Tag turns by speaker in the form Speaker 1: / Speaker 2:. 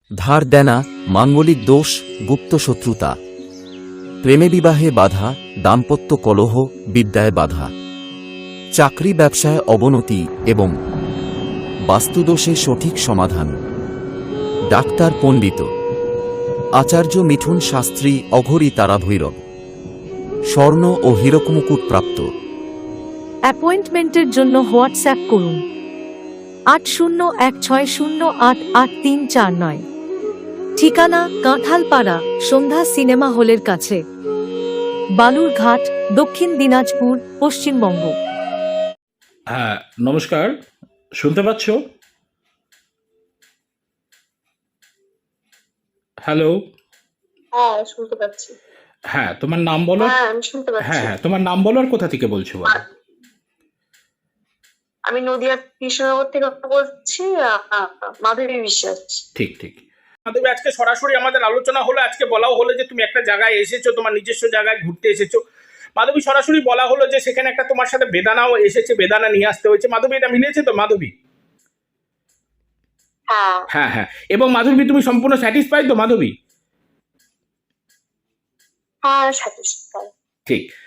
Speaker 1: ধার দেনা, মাঙ্গলিক দোষ, গুপ্ত শত্রুতা, প্রেমে বিবাহে বাধা, দাম্পত্য কলহ, বিদ্যায় বাধা, চাকরি ব্যবসায় অবনতি এবং বাস্তুদোষে সঠিক সমাধান। ডাক্তার পণ্ডিত আচার্য মিঠুন শাস্ত্রী, অঘরী তারা ভৈরব, স্বর্ণ ও হীরকমুকুট প্রাপ্ত।
Speaker 2: অ্যাপয়েন্টমেন্টের জন্য হোয়াটসঅ্যাপ করুন 8016088349। ঠিকানা কাঁঠালপাড়া, সন্ধ্যা সিনেমা হলের কাছে, বালুরঘাট, দক্ষিণ দিনাজপুর, পশ্চিমবঙ্গ।
Speaker 3: হ্যাঁ, নমস্কার, শুনতে পাচ্ছ? হ্যালো।
Speaker 4: হ্যাঁ, শুনতে পাচ্ছি।
Speaker 3: হ্যাঁ, তোমার নাম বলো।
Speaker 4: হ্যাঁ, আমি শুনতে
Speaker 3: হ্যাঁ
Speaker 4: পাচ্ছি।
Speaker 3: হ্যাঁ, তোমার নাম বলো আর কোথা থেকে বলছো বলো।
Speaker 4: আমি নদিয়া কৃষ্ণনগর থেকে বলছি, মাধবী বিশ্বাস।
Speaker 3: ঠিক ঠিক। মাধবী, আজকে সরাসরি আমাদের আলোচনা হলো, আজকে বলাও হলো যে তুমি একটা জায়গায় এসেছো, তোমার নিজস্ব জায়গায় ঘুরতে এসেছো। মাধবী, সরাসরি বলা হলো যে সেখানে একটা তোমার সাথে বেদানাও এসেছে, বেদানা নিয়ে আসতে হয়েছে। মাধবী, এটা মিলেছে তো মাধবী?
Speaker 4: হ্যাঁ
Speaker 3: হ্যাঁ হ্যাঁ। এবং মাধবী, তুমি সম্পূর্ণ স্যাটিসফাইড তো মাধবী?
Speaker 4: হ্যাঁ, সাথে সাথে।
Speaker 3: ঠিক।